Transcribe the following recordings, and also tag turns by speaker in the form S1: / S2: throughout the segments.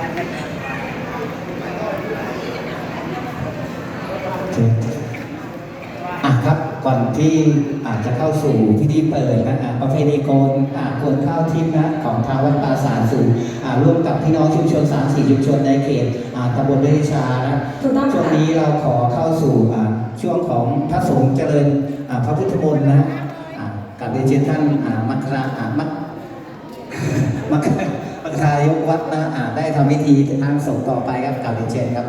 S1: ครับก่อนที่อาจจะเข้าสู่พิธีเปิดนะประเพณีโกนข้าวทิพย์นะของทางวัดป่าสารสูงร่วมกับพี่น้องชุมชน3-4ชุมชนในเขตตำบลเดชานะช่วงนี้เราขอเข้าสู่ช่วงของพระสงฆ์เจริญพระพุทธมนต์นะกับเรียนเชิญท่านมัคคายกวัดนะได้ทำพิธีทางสงฆ์ต่อไปครับกับเรียนเชิญครับ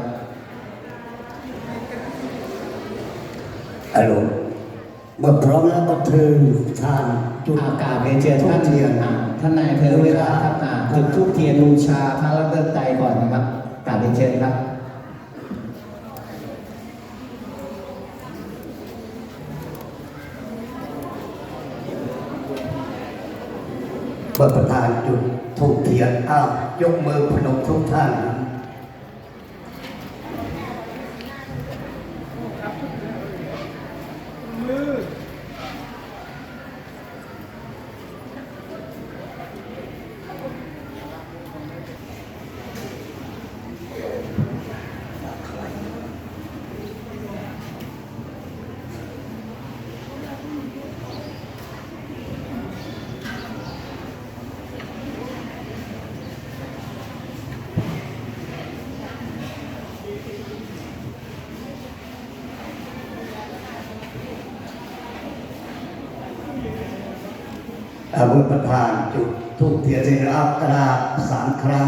S2: ฮัลโหลเมื่อพร้อมแล้วก็เทินทาน
S1: จุดอากาศเรียนเชิญท่านท่านนายอำเภอเวลาครับจุดธูปเทียนบูชาพระรัตนตรัยก่อนนะครับกราบเรียนเชิญครับ
S2: เมื่อประธานจุดธูปเทียนยกมือพนมทุกท่านเมื่อประธานจุดธูปเทียนในอัปรา3 ครั้ง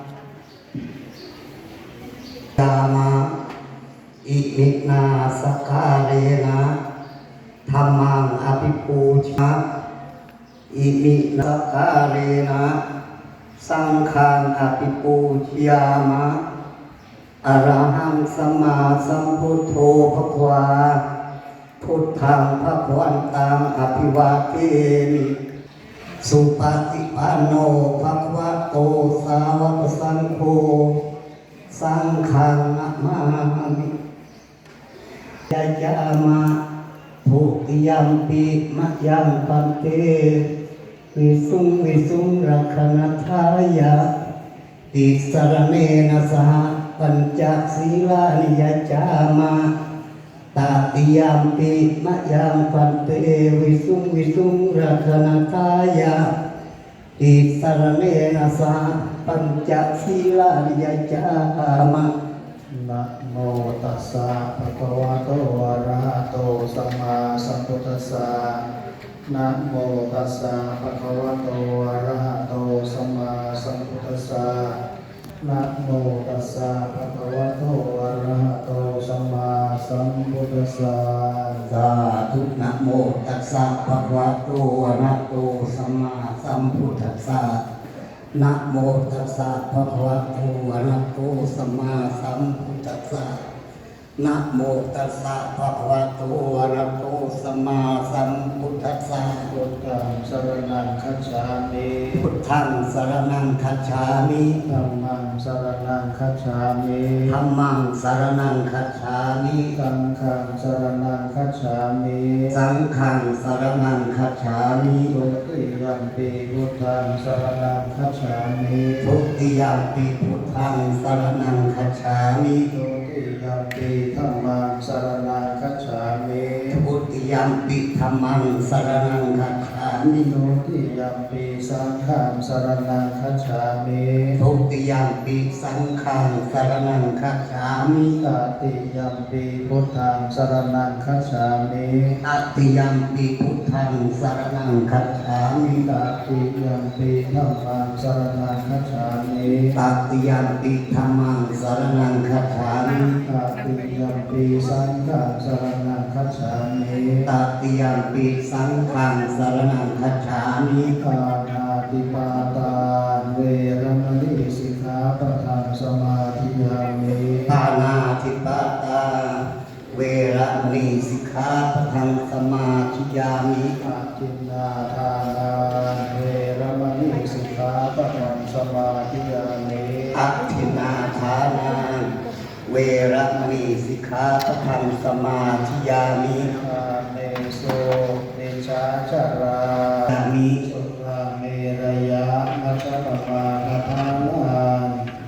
S2: ตามาอิมินาสกาเลนะธรรมังอภิปูชาอิมินาสกาเลนะสังฆังอภิปูชยามะอรหังสัมมาสัมพุทโธภควาพุทธังภควันตังอภิวาเทมิสุปฏิปันโนภควโตสาวกสังโฆสังฆังนะมามิยายามะภูติยัมปิมะยังปันเตวิสุงรักขณทายะติสรเนนะสหปัญจศีลานิยจามะตาติยามปิมะยังปันเตวิสุงรักขณทายะติสรเนนะสหปัญจศีลานิยจามะ
S3: นะโมตัสสะภะคะวะโตอะระหะโตสัมมาสัมพุทธัสสะนะโมตัสสะภะคะวะโตอะระหะโตสัมมาสัมพุทธัสสะนะโมตัสสะภะคะวะโตอะระหะโตสัมมาสัมพุทธัสสะ
S2: สาธุนะโมตัสสะภะคะวะโตอะระหะโตสัมมาสัมพุทธัสสะนะโมตัสสะภะคะวะโตอะระหะโตสัมมาสัมพุทธัสสะนะโมตัสสะภะคะวะโตอะระหะโตสัมมาสัมพุทธัสสะ
S3: พุทธังสรณังคัจฉามิ
S2: พุทธังสรณังคัจฉามิ
S3: ธัมมังสรณังคัจฉามิ
S2: ธัมมังสรณังคัจฉามิ
S3: สังฆังสรณังคัจฉามิ
S2: สังฆังสรณังคัจฉามิ
S3: ทุติยัมปิพุทธังสรณังคัจฉามิ
S2: ทุติยัมปิพุทธังสรณังคัจฉามิ
S3: ทุติยัมปิธัมมังสรณังคัจฉามิ
S2: ทุติยัมปิธัมมังสรณังคัจฉามิ
S3: ทุติยัมปิสังฆังสรณังคัจฉามิ
S2: ทุติยัมปิสังฆังสรณังคัจฉามิ
S3: ตติยัมปิพุทธังสรณังคัจฉามิ
S2: ตติยัมปิพุทธังสรณังคัจฉามิ
S3: ตติยัมปิธัมมังสรณังคัจฉามิ
S2: ตติยัมปิธัมมังสรณังคัจฉามิ
S3: ตติยัมปิสังฆังสรณังคัจฉามิ
S2: ตติยัมปิสังฆังสรณังคัจฉามิ
S3: ปานาติปาตาเวรมณีสิกขาปะทังสมาธิยามิ
S2: ปานาติปาตาเวระมณีสิกขาปะทังสมาธิยามิ
S3: อาทินนาทานาเวรมณีสิกขาปะทังสมาธิยามิ
S2: อัตถินาทานาเวระมณีสิกขาปะทังสมาธิยามิ
S3: อาเนโสเนชาจารา
S2: ยามิ
S3: สุราเมรยะมัชฌปมาทานาน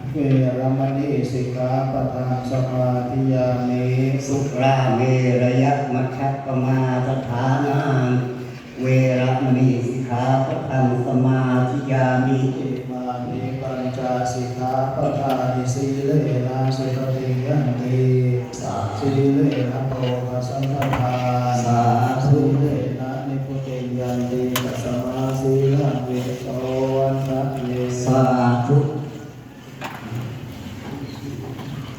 S3: เวรมณีสิกขาปะทังสมาธิยามิ
S2: สุราเมรยะมัชฌปมาทฐานาเวรมณีสิกขาปะทังสมาธิยามิ
S3: อิมานิปัญจสิกขาปะทานิสีเลนะสุขติยันติสีเลนะโภคสัมปทา